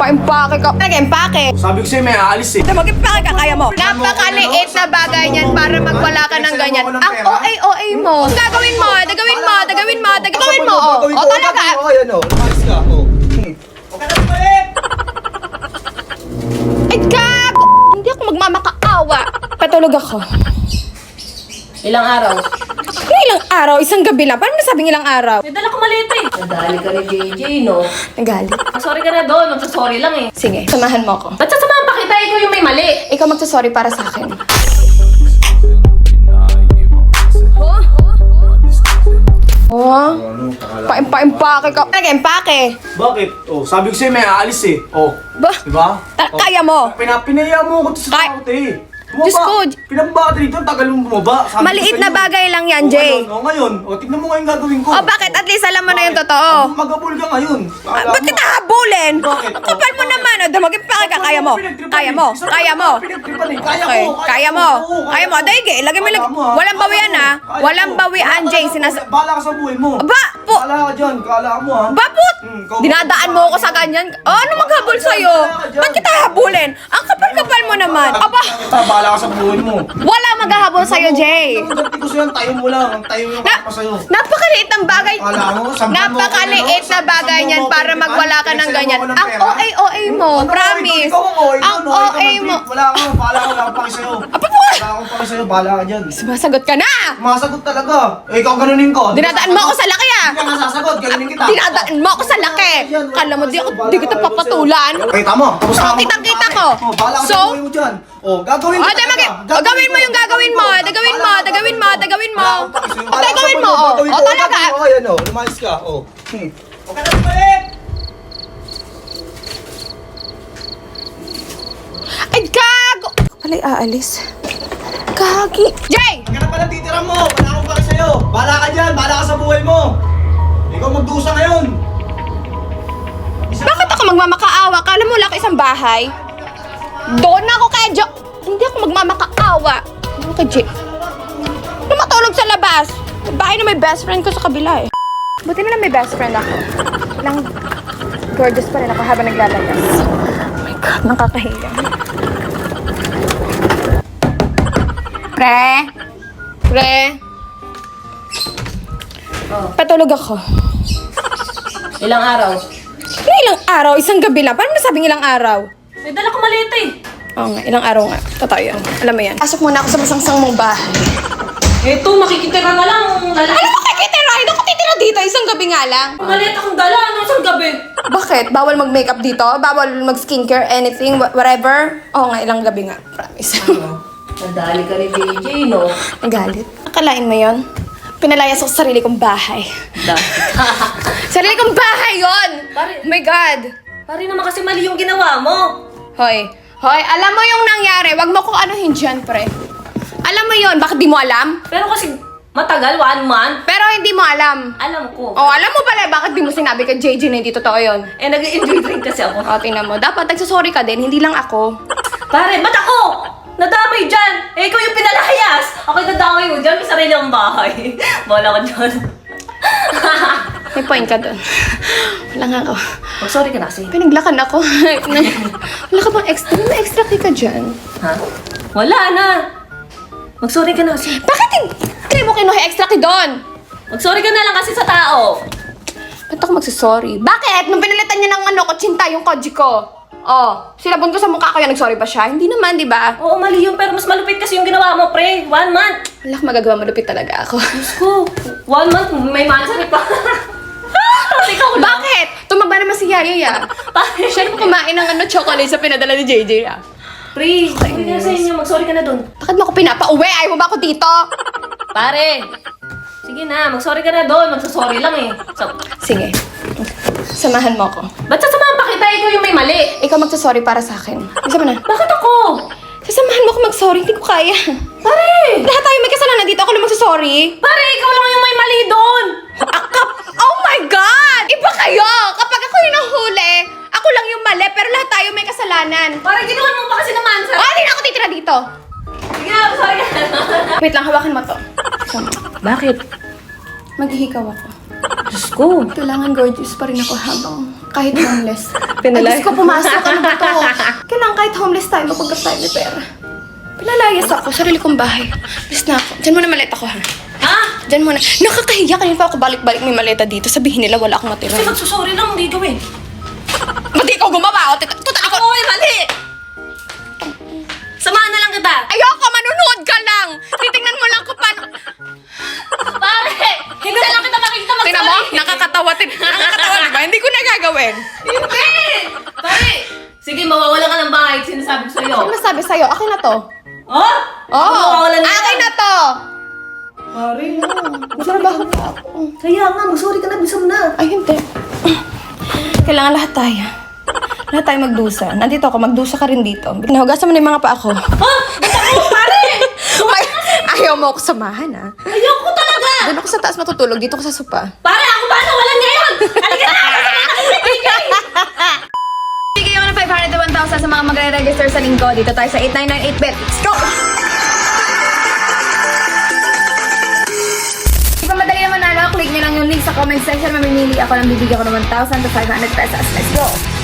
Pa-impake ka. Nag-impake. Sabi ko sa'yo may aalis eh. Mag-impake ka, kaya mo. Napakaliit na bagay niyan para magwala ka ng ganyan. Ang OA mo. Gagawin mo, dagawin mo, dagawin mo, dagawin mo. O talaga. Ayan o, lumayas ka. Ay, gago! Hindi ako magmamakaawa. Patulog ako. Ilang araw? Ano ilang araw? Isang gabi lang. Paano nasabing ilang araw? May dala ko maliit eh. Nadali ka ni JJ, no? Nagalit. Sorry ka na doon. Magsasorry lang eh. Sige, samahan mo ako. Ba't sasamahan pa kita? Ikaw yung may mali. Ikaw magsasorry para sa akin. Oh, pa-impake ka. Nag-impake. Bakit? Oh, sabi ko sa'yo may aalis eh. Oh, Ba? diba? Kaya mo. Pinaya mo ako sa tao eh. Bumaba. Diyos ko. Pinababa ka dito, tagal mong bumaba. Sabi ko Maliit sa'yo. na bagay lang yan, Oh, Jay. ngayon. Tignan mo ngayon gagawin ko. Oh, bakit? At least alam mo na yung Bakit? totoo. Magabul ka ngayon. Ba't kita habulin? Bakit? Ang kapal mo naman. O, mag-impake ka. Kaya mo. Kaya mo. Kaya mo. Okay, kaya mo. Kaya mo. Daige, lagay mo lang. Walang bawian ha. Walang bawian, Jay. Bala ka sa buhay mo. Aba, po. Bala ka dyan. Kala mo ha. Baput! ikaw- Dinadaan mo ako sa ganyan. Oh, ano maghabol sa'yo? Ba't kita habulin? Ang kapal-kapal mo naman. Aba, Bala ka sa buhay mo. wala maghahabol sa'yo, Jay. Ang ganti ko sa'yo, tayo mo lang. Ang tayo yung pa sa'yo. Napakaliit ng bagay. Kala mo, sampan mo ako, Napakaliit ano? na bagay Sampan niyan mo ako, para di ba? magwala ka ng Pinagsasabi ganyan. mo ako ng Ang pera? OA mo, Ano, promise. ikaw ang OA Ang doon, ikaw OA ang mo. trip. Wala ka, wala akong paki sa'yo. Apa po? Wala akong paki sa'yo, bala ka dyan. Sumasagot ka na! Masagot talaga. Eh, ikaw ganunin ko. Dinadaan mo ako sa laki ah! Hindi ka masasagot, ganunin kita. Dinadaan mo ako sa laki! Kala mo di kita papatulan? Kita mo, tapos Oh, kitang-kita ko. Oh, bala ka So? sa buhay mo dyan. Oh, gagawin ko Oh, gawin mo yung gagawin mo. Dagawin mo, dagawin mo, dagawin mo. Dagawin mo, oh. Oh, talaga. Ayan o, lumayas ka. Oh. Okay na balik! Ay, gago! Pala'y aalis. Gagi. Jay! Huwag ka na pala titira mo! Wala akong paki sa'yo! Bala ka dyan! Bala ka sa buhay mo! Ikaw magdusa ngayon! Bakit ako magmamakaawa? Kala mo lang isang bahay? Doon na ako kay Jo. Hindi ako magmamakaawa. Doon kay Jay. Ano matulog sa labas? Bahay na may best friend ko sa kabila eh. Buti na lang may best friend ako. Lang gorgeous pa rin ako habang naglalayas. Oh my God, nakakahiya. Pre? Pre? Oh. Patulog ako. Ilang araw? Ano ilang araw? Isang gabi lang. Paano nasabing ilang araw? May dala ko maliit eh. Oo nga, ilang araw nga. Totoo yan. Alam mo yan. Pasok muna ako sa masangsang mong bahay. Eto, makikitira na lang. Lalaki. Ano makikitira? Hindi ako titira dito. Isang gabi nga lang. Maliit akong dala. Ano isang gabi? Bakit? Bawal mag-makeup dito? Bawal mag-skincare? Anything? Whatever? Oo nga, ilang gabi nga. Promise. Nadali ka ni JJ, no? Nagalit. Akalain mo yon? Pinalayas ako sa sarili kong bahay. Sarili kong bahay yon! Pare- Oh my God! Pare naman kasi mali yung ginawa mo. Hoy, hoy, alam mo yung nangyari. Wag mo kong anuhin dyan, pre. Alam mo yon, bakit di mo alam? Pero kasi matagal, 1 month. Pero hindi mo alam. Alam ko. Oh, alam mo pala bakit di mo sinabi kay JJ na hindi totoo yun? Eh, nag-enjoy drink kasi ako. O, tingnan mo. Dapat nagsasorry ka din, hindi lang ako. Pare, ba't ako? Nadamay dyan! Eh, ikaw yung pinalayas! Ako'y nadamay mo dyan, may sarili akong bahay. Bala ka dyan. May point ka doon. Wala nga ako. Mag-sorry ka na kasi. Pinaglakan ako. Wala ka bang extra? May extra kay ka dyan. Ha? Wala na! Mag-sorry ka na kasi. Bakit hindi mo kinuha extra kay doon? Mag-sorry ka na lang kasi sa tao. Ba't ako magsasorry? Bakit? Nung pinalitan niya ng kutsinta yung koji ko. Oh, silabon ko sa mukha ko yan. Nagsorry ba siya? Hindi naman, di ba? Oo, mali yun, pero mas malupit kasi yung ginawa mo, pre. 1 month! Wala akong magagawa. Malupit talaga ako. Diyos ko, 1 month, may mansari pa. Tapos ikaw lang. Bakit? Tumaba naman si Yaya ya. Pare, Siya naman kumain ng chocolate sa pinadala ni JJ ah. pre, sabi nga sa inyo, mag-sorry ka na dun. Bakit mo ako pinapauwi? Ayaw mo ba ako dito? Pare, sige na, mag-sorry ka na doon. Magsasorry lang eh. So, Sige. Samahan mo ako. ba't sasamahan pa kita? Ikaw yung may mali. Ikaw magsasorry para sa akin. Isa mo na. Bakit ako? Sasamahan mo ako mag-sorry. Hindi ko kaya. Pare! Lahat tayo may kasalanan dito. Ako lang magsasorry. Pare, ikaw lang yung may mali doon! Oh my God! Iba kayo! Kapag ako yung nahuli, ako lang yung mali, pero lahat tayo may kasalanan. Pare, ginawan mo pa kasi naman sa... Ah, hindi na ako titira dito. Sige na, sorry ka na. Wait lang, hawakan mo to. Sama. Bakit? Maghihikaw ako. Diyos ko. Kailangan gorgeous pa rin ako habang Kahit homeless. Pinalayas. Ay, Diyos ko, pumasok. Ano ba to? Kailangan kahit homeless tayo, mapagkat tayo may pera. Pinalayas ako, sarili kong bahay. Alis na ako. Diyan muna maleta ko, ha? Ha? Diyan muna. Nakakahiya, kanina pa ako balik-balik may maleta dito. Sabihin nila wala akong matira. Kasi magsusorry lang, hindi gawin. Ba't ikaw gumawa? O, tuta ako. Ako ay mali! Samahan na lang kita! Ayoko, manunood ka lang. Titingnan mo lang kung paano. Pare! Hindi lang kita makikita mag-sorry! Tingnan mo, nakakatawa. Nakakatawa, di ba? Hindi ko nagagawin. Hindi! Pare! Sige, mawawala ka ng bahay. Sinasabi ko sa'yo. Ano masabi sa'yo? Akin na to. Oh? Oo, Mawawala na akin yan. na to. Pare, Matrabaho pa ako. Kaya nga, mag-sorry ka na. Bisa mo na. Ay, hindi. Kailangan lahat tayo. Lahat tayo magdusa. Nandito ako, magdusa ka rin dito. Nahugasan mo na yung mga paa ko. Ha? Ako, pare! Ay, ayaw mo ako samahan, ha? Ayoko talaga! Doon ako sa taas matutulog. Dito ko sa sopa. Pare, ako ba nawalan ngayon? Halika na! Bigay ako ng 500 to 1,000 sa mga magre-register sa linggo. Dito tayo sa 8998bet. Let's go! Di ba madali naman nalo? Click nyo lang yung link sa comment section. Mamimili ako ng bibigyan ko ng 1,000 to 500 pesos. Let's go!